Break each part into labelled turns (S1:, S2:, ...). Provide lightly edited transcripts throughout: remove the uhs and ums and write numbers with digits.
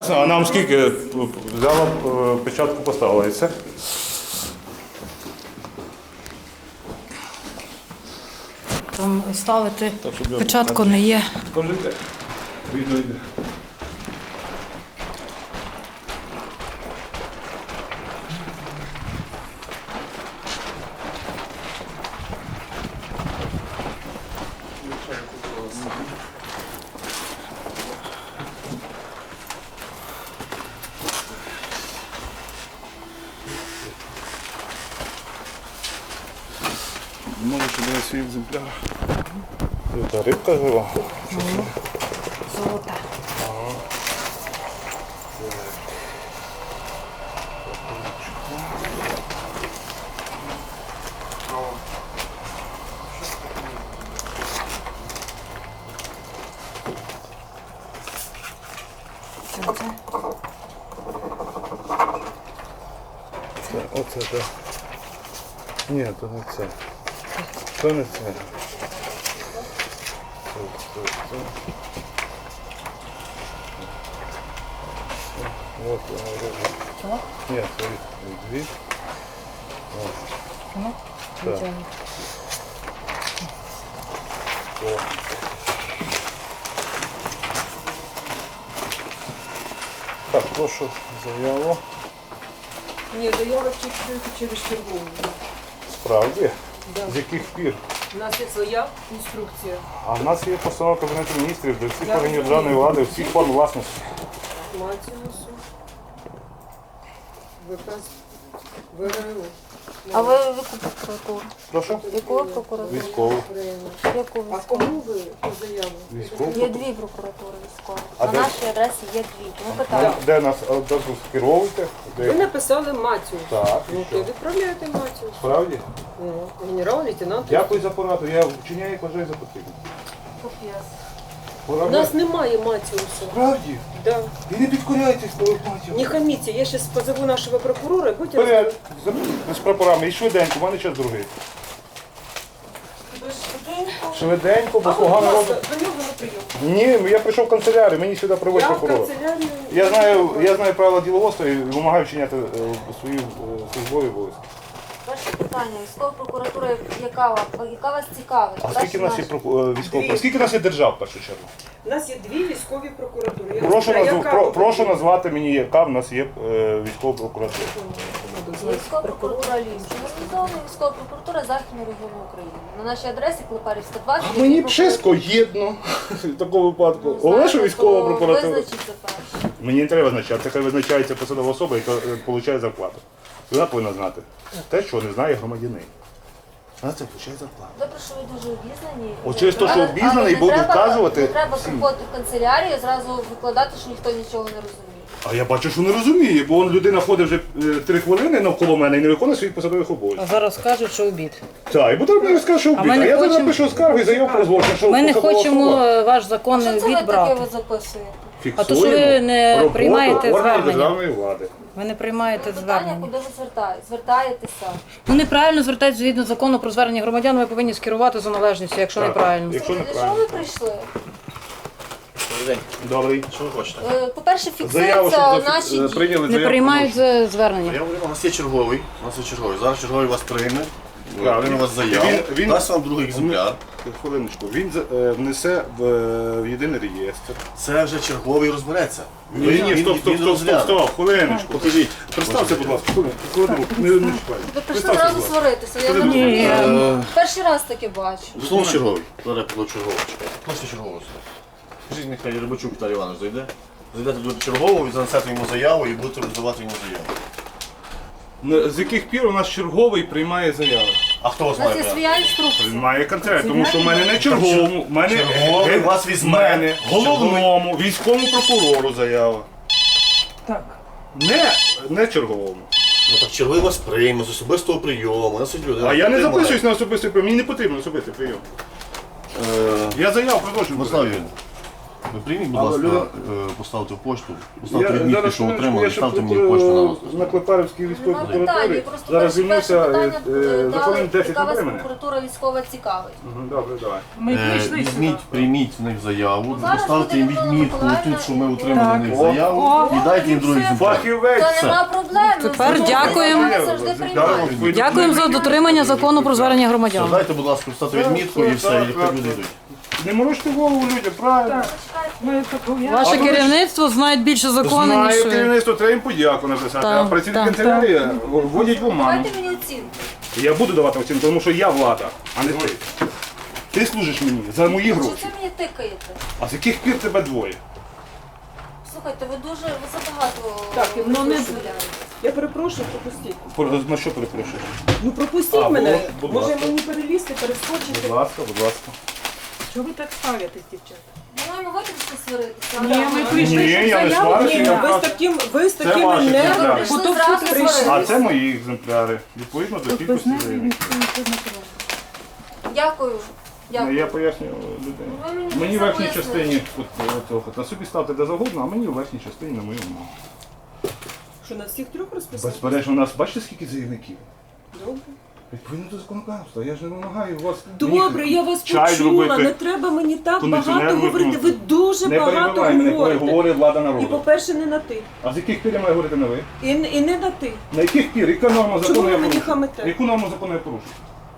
S1: А нам скільки взяла печатку, поставила і все?
S2: Там ставити
S1: Так, щоб я
S2: печатку не є.
S1: Скажите, відео йде. Може, що буде свій екземпляр. Це рибка жива?
S2: Золота.
S1: Оце так. Ні, то не це. То не це. Вот вона робить. Ні, це дві.
S2: Ну,
S1: Так.
S2: звичайно.
S1: О. Так, прошу заяву.
S3: Ні, заява тільки через чергову.
S1: Справді?
S3: Да.
S1: З яких пір?
S3: У нас є своя інструкція.
S1: А в нас є постанова Кабінету міністрів до всіх
S3: Я
S1: органів
S3: розумію.
S1: державної влади, всіх форм власності.
S3: Матіусу. ВК ВРУ.
S2: А ви яку прокуратуру?
S1: Прошу?
S2: Яку прокуратуру?
S1: Військову.
S2: Яку
S3: А
S2: військову?
S3: кому ви по заяву?
S1: Військову?
S2: Є дві прокуратури військові.
S1: А
S2: На
S1: де?
S2: нашій адресі є дві. Тому питання.
S1: Де нас скеровуєте?
S3: Ви написали Матіус.
S1: Так, і
S3: Ну,
S1: що?
S3: то відправляєте Матіус.
S1: Справді?
S3: Ну, генерал-лейтенант.
S1: Дякую за пораду, я вчиняю, як вважаю за потрібне.
S2: Капець.
S3: У
S1: Пораду.
S3: нас немає Матіуса.
S1: Справді?
S3: Да.
S1: І не підкоряйтесь, Матію.
S3: Не хаміться, я зараз позову нашого прокурора і будете
S1: Вперед, з прапорами, і швиденько, у мене час другий. Швиденько, бо
S3: А будь
S1: погано
S3: ласка,
S1: робить.
S3: до нього на прийом.
S1: Ні, я прийшов в канцелярію, мені сюди приводять
S3: Я в
S1: прокурора.
S3: канцелярію.
S1: Я знаю правила діловодства і вимагаю вчиняти свої службові обов'язки.
S2: Перше питання. Військова прокуратура, яка вас цікавить?
S1: А скільки в нас є військових?
S3: Дві.
S1: Скільки в нас є держав, в першу чергу?
S3: У нас є дві військові прокуратури. Я
S1: Прошу,
S3: знаю, яка
S1: прошу назвати мені, яка в нас є військова прокуратура.
S2: Військова прокуратура Львівщини. Організована військова прокуратура Західного регіону України. На нашій адресі Клепарівська 20.
S1: А мені чесно єдно в такому випадку. Головне, що військова прокуратура.
S2: Визначиться перше.
S1: Мені не треба визначати, це визначається посадова особа, яка отримує зарплату. І вона повинна знати те, що не знає громадянин. Вона це отримує зарплату.
S2: Добре, що ви дуже обізнані.
S1: От через те, що
S2: Але
S1: обізнаний,
S2: не
S1: буду
S2: треба-
S1: вказувати
S2: Не треба
S1: всім.
S2: приходити в канцелярію і зразу викладати, що ніхто нічого не розуміє.
S1: А я бачу, що не розуміє, бо людина ходить вже 3 хвилини навколо мене і не виконує своїх посадових обов'язків.
S4: А зараз кажуть, що обід.
S1: Так, і потім мені скаже, що
S4: ми
S1: вбити. А
S4: не
S1: я зараз
S4: хочемо-
S1: напишу скаргу і заяву про злочин, що
S4: Ми не
S1: посадова
S4: хочемо
S1: особа
S4: ваш
S2: Що
S4: законний
S2: це ви
S4: обід
S2: таке
S4: брати.
S2: ви записуєте?
S4: А то, що ви
S1: фіксуємо
S4: не
S1: роботу
S4: приймаєте
S1: органів
S4: звернення.
S1: державної влади.
S4: Ви не приймаєте
S2: Питання,
S4: звернення.
S2: куди ви звертаєтеся?
S4: Ну неправильно звертається згідно закону про звернення громадян, ви повинні скерувати за належністю, якщо
S1: Так.
S4: неправильно.
S1: Якщо
S2: Для чого
S1: неправильно.
S2: ви прийшли?
S1: Добрий.
S5: Що ви хочете?
S2: По-перше,
S1: Заяву,
S2: фіксуються
S1: щоб
S2: наші дії.
S1: прийняли
S4: Не
S1: заяву.
S4: приймають звернення.
S5: Я говорю, у нас є черговий. У нас є черговий. Зараз черговий вас прийме.
S1: Так,
S5: Прийме вас заяву.
S1: він-
S5: Дасть вам другий екземпляр.
S1: Хвилиночку. Він внесе в єдиний реєстр.
S5: Це вже черговий розбереться.
S1: Ні, стоп, хвилиночку.
S5: Покажіть.
S1: Представся, будь ласка, хвилинку, не чекай.
S2: Ви прийшли
S1: Представся,
S2: зразу
S1: будь ласка.
S2: сваритися. Я не
S4: Ні.
S2: розумію. Перший раз таке бачу.
S5: Знову черговий. Зараз я покладу чергового. Просто чергового. Скажіть, нехай Рибачук Віталій Іванович зайде. Зайдете до чергового, і занесете йому заяву і будете роздавати йому заяву.
S1: З яких пір у нас черговий приймає заяви?
S5: А хто вас
S2: У нас
S5: має
S2: є
S5: прямо?
S2: своя
S1: Він
S2: інструкція.
S1: має контракт, тому що в мене не черговому, в мене
S5: Черговий вас візьме.
S1: мене головному військовому прокурору заява.
S4: Так.
S1: Не черговому.
S5: Ну так черговий вас прийме з особистого прийому. Нас сидять люди.
S1: А я не
S5: Приймає.
S1: записуюсь на особистий прийом, мені не потрібен особистий прийом. Я заяву продовжую.
S5: Мирослав Юрійович, Ви прийміть, будь
S1: Але
S5: ласка,
S1: люди-
S5: поставте в почту, поставте відмітки, що отримали, ставте мені в почту на розпис.
S1: на Клепарівській військовій
S2: Нема питань,
S1: прокуратурі.
S2: просто
S1: Зараз
S2: перше
S1: звільнився
S2: питання
S1: законом 10
S2: яка вас
S1: времени.
S2: прокуратура військова цікавить.
S1: Добре, давай.
S4: Ми прийшли сюди.
S5: Візьміть, прийміть в них заяву,
S2: Зараз
S5: поставте їм
S2: буде
S5: відмітку
S2: Миколаївна
S5: тут, що ми
S2: і-
S5: отримали в них
S1: Так.
S5: заяву,
S4: О,
S5: і дайте їм другий екземпляр.
S1: Фахівець!
S2: Та нема проблем.
S4: Тепер
S2: Ми
S4: дякуємо.
S2: завжди приймаємо.
S4: Дякуємо за дотримання закону про звернення
S5: Все,
S4: громадян.
S5: дайте, будь ласка, поставте відмітку і все, і хай люди йдуть.
S1: Не морочте голову людям, правильно.
S4: Ваше керівництво знає більше закону, ніж
S1: Знаю,
S4: ви.
S1: керівництво, треба їм подяку написати, а
S4: Так,
S1: працівники
S4: так,
S1: канцелярії вводять в оману.
S2: Давайте мені оцінку.
S1: Я буду давати оцінку, тому що я влада, а не ти. Ти служиш мені за мої
S2: Що
S1: гроші.
S2: це мені тикаєте?
S1: А з яких пір тебе двоє?
S2: Слухайте, ви забагато
S3: Так, ну не-
S2: дозволяєте.
S3: Я перепрошую, пропустіть.
S1: На що перепрошуєш?
S3: Ну пропустіть
S1: А,
S3: мене.
S1: будь
S3: Може
S1: ласка.
S3: мені перелізти, перескочити.
S1: Будь ласка, будь ласка.
S4: Чого ви так ставитесь, дівчата?
S2: Ми маємо виключно сваритися.
S4: Ні, ми прийшли,
S1: Ні,
S4: щоб
S1: я не
S4: заяву.
S1: сварюся,
S3: Ні,
S1: я
S3: ви з
S1: просто...
S3: такими
S1: ваші
S3: нервами.
S1: екземпляри.
S2: Прийшли
S4: Бо то
S2: зразу
S4: всі
S2: сваритися.
S1: А це мої екземпляри. Відповідно до кількості заявників.
S2: Дякую. Дякую.
S1: Я пояснюю людині.
S2: Ви мені
S1: Мені в
S2: це
S1: верхній
S2: пояснили.
S1: частині, от, на собі ставте де завгодно, а мені в верхній частині на моєму.
S3: Що на всіх трьох розписати?
S1: Безперечно, у нас бачите, скільки заявників?
S3: Добре.
S1: Відповідно до законодавства. Я ж не вимагаю у вас.
S3: Добре, я вас
S1: чай
S3: почула.
S1: зробити,
S3: Не треба мені так
S1: кондиціонер
S3: багато говорити. Ви дуже
S1: Не
S3: багато
S1: перебивай мене, коли
S3: говорите.
S1: говорить влада
S3: І
S1: народу.
S3: по-перше, не на ти.
S1: А з яких пір я маю говорити на ви?
S3: І не на ти.
S1: На яких пір? Яка норма
S3: Чому
S1: закону
S3: ви
S1: я
S3: мені
S1: порушую?
S3: хамите?
S1: Яку норму закону я порушую?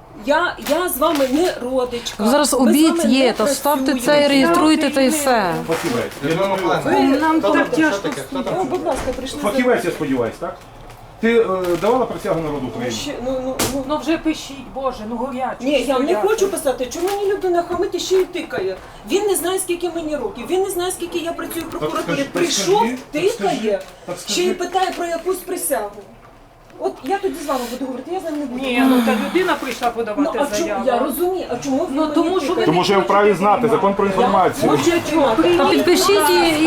S3: Я з вами не родичка.
S4: Зараз
S3: Ми з
S4: обід
S3: вами
S4: є,
S3: не
S4: то ставте
S3: працюємо.
S4: це і реєструйте, та й все.
S1: Фахівець. Я думаю,
S3: Ви
S4: Нам
S3: так
S4: так
S3: тяжко. О, будь ласка, прийшли за-
S1: фахівець, я сподіваюся, так? Ти давала присягу народу України?
S3: Ну,
S6: вже пишіть, Боже, ну горячо.
S3: ні, я не хочу писати, чому мені людина хамить і ще й тикає. Він не знає, скільки мені років, він не знає, скільки я працюю в прокуратурі.
S1: скажи,
S3: Прийшов,
S1: так скажи,
S3: тикає,
S1: так скажи.
S3: ще й питає про якусь присягу. От я тоді з вами буду говорити, я з ним не буду.
S6: Ні, ну та людина прийшла
S3: Ну,
S6: подавати
S3: а чому,
S6: заяву.
S3: я розумію, а чому ви
S6: Ну,
S3: мені
S6: тому що ви
S3: тикаєте?
S1: Тому що я вправі знати закон про інформацію.
S3: Хочу знати.
S4: А підпишіть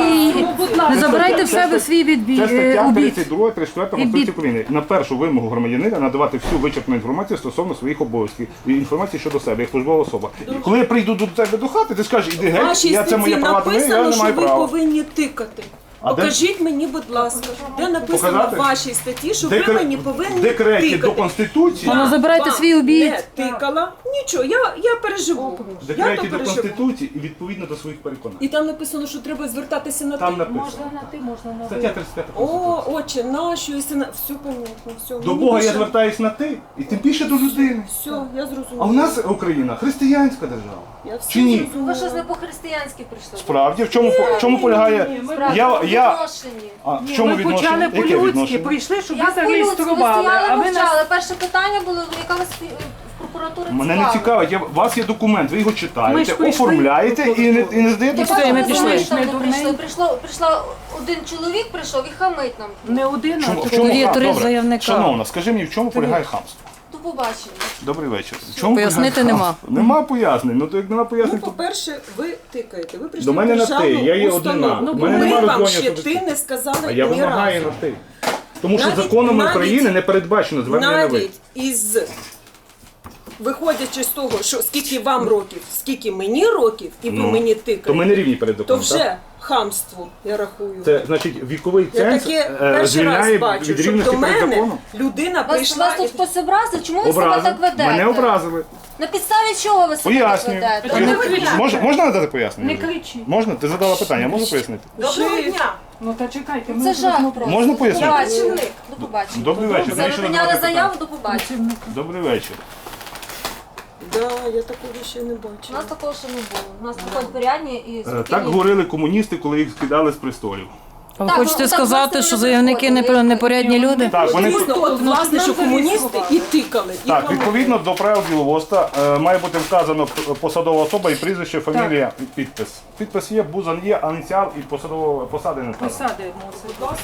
S4: і не забирайте в себе свій
S1: Це стаття
S4: обід.
S1: 32, 34 Конституції України. На першу вимогу громадянина надавати всю вичерпну інформацію стосовно своїх обов'язків і інформацію щодо себе, як службова особа. І коли я прийду до тебе до хати, ти скажеш, іди
S3: В
S1: геть,
S3: вашій
S1: я це моє
S3: статті
S1: право, я
S3: написано,
S1: не
S3: що
S1: маю
S3: ви
S1: права.
S3: повинні тикати.
S1: А де-
S3: Покажіть мені, будь ласка, де написано
S1: Показати?
S3: в вашій статті, що ви мені повинні
S1: В декреті
S3: тикати.
S1: до Конституції,
S4: Ну, забирайте
S3: Вам
S4: свій обід.
S3: Не тикала. Нічого, я переживу.
S1: в
S3: Я
S1: декреті
S3: то
S1: до
S3: переживу.
S1: Конституції і відповідно до своїх переконань.
S3: І там написано, що треба звертатися на
S1: Там
S3: ти.
S1: написано.
S6: Можна на ти, можна на
S1: Стаття
S6: ви.
S1: 35
S3: О,
S1: Конституції.
S3: отче, нащо, якщо на... Все понятно, все.
S1: До Бога я звертаюсь на ти, і тим більше до людини.
S3: Все, я зрозуміла.
S1: А у нас Україна християнська держава.
S3: Я все
S1: Чи ні?
S3: зрозуміла.
S2: Ви щось не по-християнськи прийшли.
S1: Справді, в чому полягає?
S2: Справді,
S1: Я,
S2: в відношенні.
S1: в чому
S6: Ми
S1: відношення?
S6: почали
S1: Яке
S6: по-людськи,
S1: відношення?
S6: прийшли, щоб ви
S2: Я по-людськи, ви
S6: зареєстрували,
S2: стояли,
S6: а ви нас...
S2: мовчали. Перше питання було, яка вас в прокуратурі
S1: Мене не цікавить, у вас є документ, ви його
S6: Ми
S1: читаєте,
S6: ж прийшли
S1: оформляєте і не здаєте.
S4: все, і ми пішли.
S2: Прийшла один чоловік, прийшов і хамить нам.
S6: Не один, а
S1: Чому-
S6: три.
S1: в чому
S4: Тут є
S1: хам?
S4: три
S1: Добре.
S4: заявника.
S1: Шановна, скажи мені, в чому полягає хамство?
S2: До побачення.
S1: Добрий вечір. В чому
S4: Пояснити
S1: полягає
S4: нема.
S1: хамство? Нема пояснень. Ну то як нема
S3: Ну,
S1: пояснень, то
S3: по-перше, ви тикаєте. Ви прийшли
S1: До мене
S3: в
S1: на ти,
S3: державну
S1: я є
S3: установу.
S1: одна.
S3: Ну,
S1: У мене
S3: ми
S1: нема
S3: вам
S1: розділення
S3: ще
S1: особистості.
S3: ти не сказали
S1: а я
S3: ні
S1: вимагаю
S3: разу.
S1: на ти. Тому що
S3: Навіть-
S1: законом
S3: навіть-
S1: України не передбачено звернення на ви.
S3: Навіть із виходячи з того, що скільки вам років, скільки мені років, і ви
S1: Ну,
S3: мені
S1: То
S3: тикаєте,
S1: ми не рівні перед
S3: то
S1: законом. так?
S3: вже хамство, я рахую.
S1: Це значить віковий
S3: Я
S1: ценз
S3: таке перший раз
S1: звільняє
S3: бачу,
S1: від
S3: що
S1: рівності
S3: до
S1: перед
S3: мене
S1: законом.
S3: людина
S2: Вас
S3: прийшла
S2: тут хтось образив? Чому ви себе
S1: Образив.
S2: так ведете?
S1: Мене образили.
S2: На підставі чого ви себе так
S1: Пояснюю.
S2: ведете?
S1: Можна надати пояснення?
S6: Не кричіть.
S1: Можна? Ти задала питання, можу пояснити?
S3: Доброго дня!
S6: Ну та чекайте, ми
S2: Це
S6: вже
S2: жах
S6: знову-
S2: просто.
S1: Можна
S2: До
S1: пояснити?
S2: побачення. До побачення.
S1: Добрий вечір.
S2: Все,
S1: Навіщо
S2: ви
S1: задавати
S2: прийняли заяву,
S1: питання?
S2: до побачення.
S1: Добрий вечір.
S3: Да, я такого ще не
S2: У
S3: бачила.
S2: нас такого ще не було. У нас приходять порядні і
S1: Так
S2: спокійні.
S1: говорили комуністи, коли їх скидали з престолів.
S4: А ви
S2: Так,
S4: хочете
S2: ну, так
S4: сказати,
S2: власне,
S4: що
S2: вони
S4: заявники
S2: приходили.
S4: непорядні люди?
S1: Так, вони
S3: Дійсно, от власне, що комуністи і тикали. І
S1: так,
S3: хамили.
S1: відповідно до правил діловодства має бути вказано посадова особа і прізвище, фамілія і підпис. Підпис є, бузан є, ініціал і посади не вказано.
S6: Посади мусить.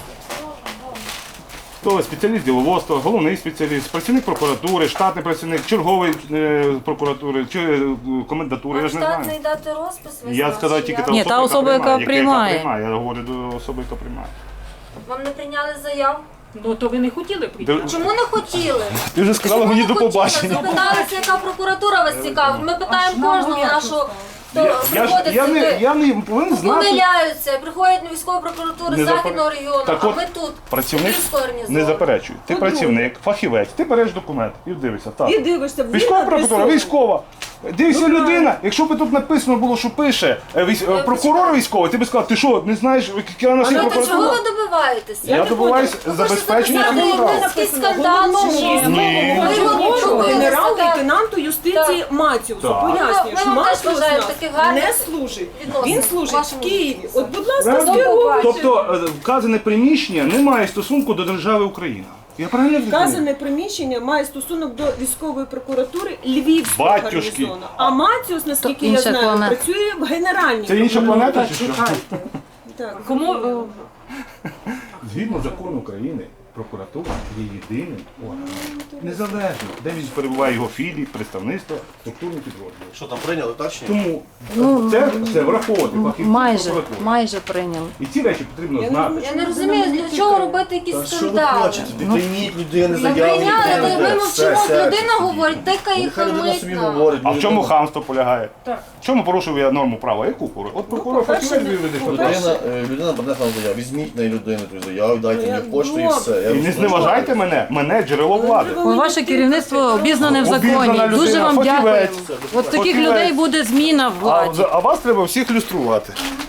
S1: Хто спеціаліст діловодства, головний спеціаліст, працівник прокуратури, штатний працівник, черговий прокуратури чи комендатури, я
S2: А
S1: ж не
S2: штатний
S1: знаю.
S2: дати розпис? ви
S1: Я
S2: знаєте,
S1: сказав
S2: чи
S1: тільки
S2: як?
S1: та
S4: Ні, та особа, яка приймає.
S1: Я говорю до особи, яка приймає.
S2: Вам не прийняли заяву?
S6: Ну то ви не хотіли прийти.
S2: Чому не хотіли?
S1: Ти вже сказала
S2: Чому
S1: мені
S2: не
S1: до
S2: хотіли?
S1: побачення.
S2: Запиталися, яка прокуратура вас цікавить. Ми питаємо
S6: нам
S2: кожного
S6: горячо
S2: нашого хто приходить
S1: я не повинен знати.
S2: помиляються, приходять на військову прокуратуру
S1: Не
S2: Західного
S1: запер-
S2: регіону,
S1: Так
S2: а
S1: от,
S2: ми тут.
S1: Працівник
S2: Київського гарнізону.
S1: не заперечує. Ти
S3: По-друге.
S1: працівник, фахівець, ти береш документ і дивишся. Так.
S3: І дивишся, він
S1: Військова прокуратура,
S3: адресований.
S1: військова. Дивися,
S3: Ну,
S1: людина, якщо б тут написано було, що пише прокурор військовий, ти б сказав, ти що, не знаєш, яка у нас є
S2: Ну то чого
S1: прокуратура?
S2: ви добиваєтеся?
S1: Я
S3: не
S1: добиваюсь
S3: поняла.
S1: забезпечення
S2: Хочете
S1: цих прав.
S2: записати якийсь скандал, чи що?
S1: Ні.
S2: Ви його
S3: Голову
S2: чули,
S3: генерал-лейтенанту юстиції Матіусу.
S1: Так.
S3: Пояснюю,
S2: Ми
S3: що
S2: вам теж
S3: Матіус
S2: бажаємо
S3: нас
S2: таких гарних
S3: не служить.
S2: відносин
S3: Він
S2: в
S3: служить
S2: вашому
S3: в Києві.
S2: житті.
S3: От, будь ласка,
S1: Правильно?
S3: скеровуйте.
S1: Тобто вказане приміщення не має стосунку до держави Україна. Я правильно розумію?
S3: Вказане приміщення має стосунок до військової прокуратури Львівського
S1: Батюшки.
S3: гарнізону. А Матіус, наскільки я
S4: інша
S3: знаю,
S4: планета.
S3: працює в генеральній
S1: Це інша планета
S6: Так,
S1: чи що?
S6: чекайте.
S3: Так.
S6: Кому
S1: Згідно закону України, прокуратура є єдиним органом. Незалежно, де він перебуває його філії, представництво, структурні підрозділи.
S5: Що там прийняли, так чи ні?
S1: Тому це все враховувати фахівці прокуратури.
S4: Майже прийняли.
S1: І ці речі потрібно знати.
S2: Я не розумію, для чого робити якісь
S5: Та що ви
S2: скандали.
S5: хочете? Прийміть людини
S2: Ми
S5: заяву.
S2: прийняли, ми мовчимо,
S5: Все,
S2: людина говорить, тикає і
S5: Нехай людина
S2: хамить
S5: собі
S2: нам.
S5: говорить.
S1: А в чому хамство полягає?
S6: Так.
S1: В чому порушив я норму права? Яку порушив? От прокурор
S3: по-перше,
S1: фахівець виведе, що
S3: по-перше,
S1: так.
S5: Людина подає вам заяву. Візьміть на людину ту заяву, дайте
S3: Ну,
S5: мені
S3: я-
S5: пошту і
S3: добре.
S5: все. Я
S1: І не
S5: розкажу.
S1: зневажайте мене джерело влади.
S4: Ваше керівництво обізнане в
S1: Обізнана
S4: законі. Дуже
S1: людина,
S4: вам
S1: фахівець.
S4: дякуємо. От таких
S1: Фахівець.
S4: людей буде зміна в владі.
S1: А вас треба всіх люструвати.